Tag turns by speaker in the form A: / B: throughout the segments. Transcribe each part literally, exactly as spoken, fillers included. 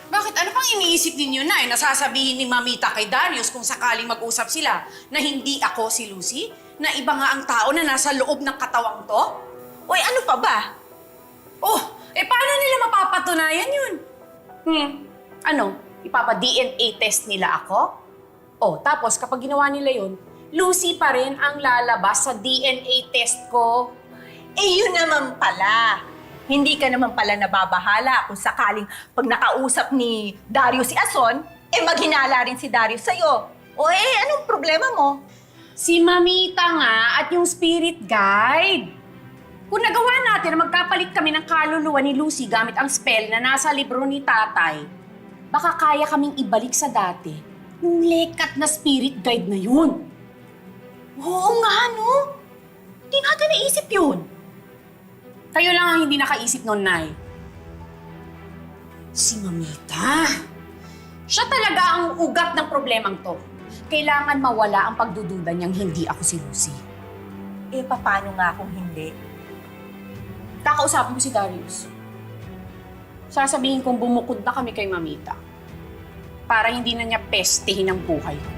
A: Bakit? Ano pang iniisip ninyo na eh? Nasasabihin ni Mamita kay Darius kung sakaling mag-usap sila na hindi ako si Lucy? Na iba nga ang tao na nasa loob ng katawang to?
B: Uy, ano pa ba?
A: Oh, eh paano nila mapapatunayan yun? Hmm, ano? Ipapa-D N A test nila ako? Oh, tapos kapag ginawa nila yun, Lucy pa rin ang lalabas sa D N A test ko.
B: Eh, yun naman pala. Hindi ka naman pala nababahala kung sakaling pag nakausap ni Darius si Ason, eh maghinala rin si Darius sa'yo. O eh, anong problema mo?
A: Si Mamita nga at yung spirit guide. Kung nagawa natin na magkapalit kami ng kaluluwa ni Lucy gamit ang spell na nasa libro ni tatay, baka kaya kaming ibalik sa dati yung lekat na spirit guide na yun.
B: Oo nga, no? Hindi natin naisip yun.
A: Kayo lang ang hindi nakaisip noon, Nay. Si Mamita. Siya talaga ang ugat ng problemang to. Kailangan mawala ang pagdududa niyang hindi ako si Lucy.
B: Eh, paano nga kung hindi?
A: Kakausapin ko si Darius. Sasabihin kong bumukod na kami kay Mamita para hindi na niya pestehin ang buhay ko.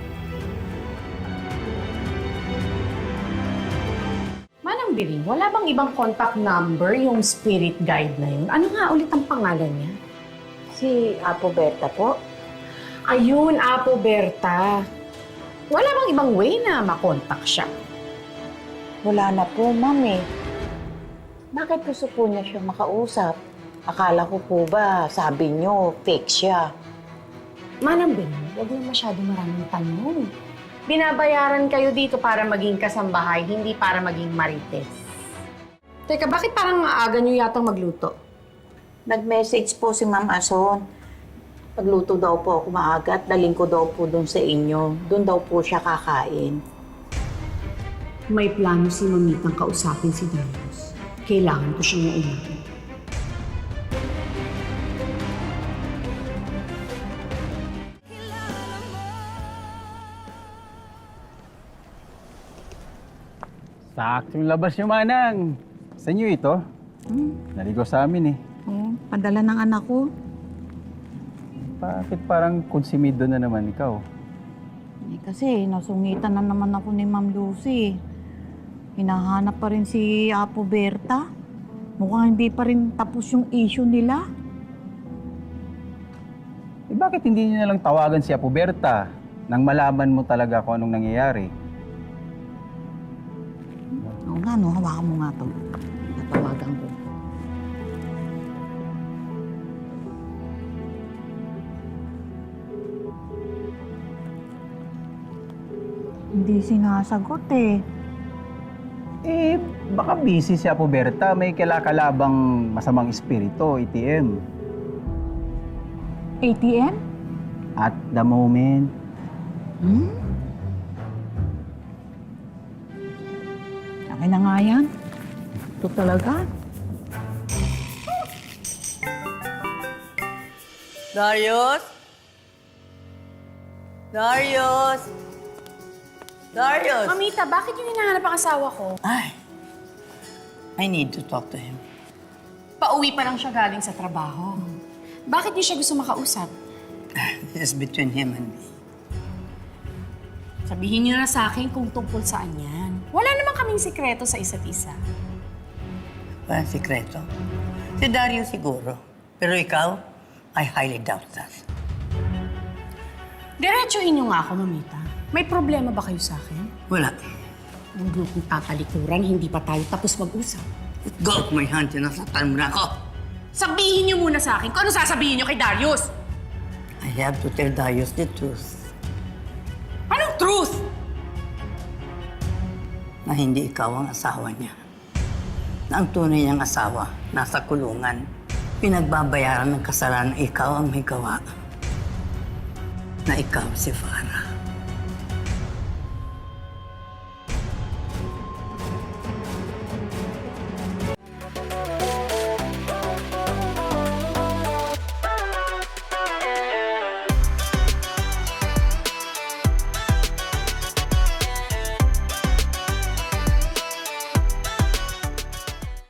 A: Manang Biring, wala bang ibang contact number yung spirit guide na yun? Ano nga ulit ang pangalan niya?
C: Si Apo Berta po.
A: Ayun, Apo Berta. Wala bang ibang way na makontak siya?
C: Wala na po, ma'am eh. Bakit gusto po niya siya makausap? Akala ko po ba, sabi niyo, fake siya.
A: Manang Biring, huwag na masyado maraming tanong. Binabayaran kayo dito para maging kasambahay, hindi para maging marites. Teka, bakit parang aaga niyo yatang magluto?
C: Nag-message po si Ma'am Ason. Pagluto daw po ako maaga at daling ko daw po doon sa inyo. Doon daw po siya kakain.
A: May plano si Mamitang kausapin si Darius. Kailangan ko siyang maunahin.
D: Saktong labas yung manang. Sa inyo ito?
C: Hmm?
D: Naligo sa amin eh.
C: Oo, padala ng anak ko.
D: Bakit parang konsumido na naman ikaw?
C: Eh, kasi nasungitan na naman ako ni Ma'am Lucy. Hinahanap pa rin si Apo Berta. Mukhang hindi pa rin tapos yung issue nila.
D: Eh bakit hindi niyo na lang tawagan si Apo Berta nang malaman mo talaga kung anong nangyayari?
C: Oo nga, no? Hawakan mo nga to. Tatawagan ko. Hindi sinasagot eh.
D: Eh, baka busy si Apo Berta. May kalakalabang masamang espiritu, A T M.
C: A T M?
D: At the moment.
C: Hmm? Akin na nga yan. Ito talaga.
B: Darius? Darius? Darius?
A: Mamita, bakit yung hinahanap ang asawa ko?
E: Ay, I need to talk to him.
A: Pauwi pa lang siya galing sa trabaho. Bakit niyo siya gusto makausap?
E: This is between him and me.
A: Sabihin niyo na sa akin kung tungkol saan yan. Wala naman kaming sikreto sa isa't isa.
E: Walang sikreto. Si Dario siguro. Pero ikaw, I highly doubt that.
A: Diretsuhin niyo nga ako, Mamita. May problema ba kayo sa akin?
E: Wala.
A: Yung grupong tatalikuran, hindi pa tayo tapos mag-usap.
E: Let go of my hand, sinasaktan mo na ako.
A: Sabihin niyo muna sa akin kung ano sasabihin niyo kay Darius.
E: I have to tell Darius the truth.
A: Anong truth?
E: Na hindi ikaw ang asawa niya. Na ang tunay niyang asawa, nasa kulungan. Pinagbabayaran ng kasalanan na ikaw ang may gawa. Na ikaw si Farah.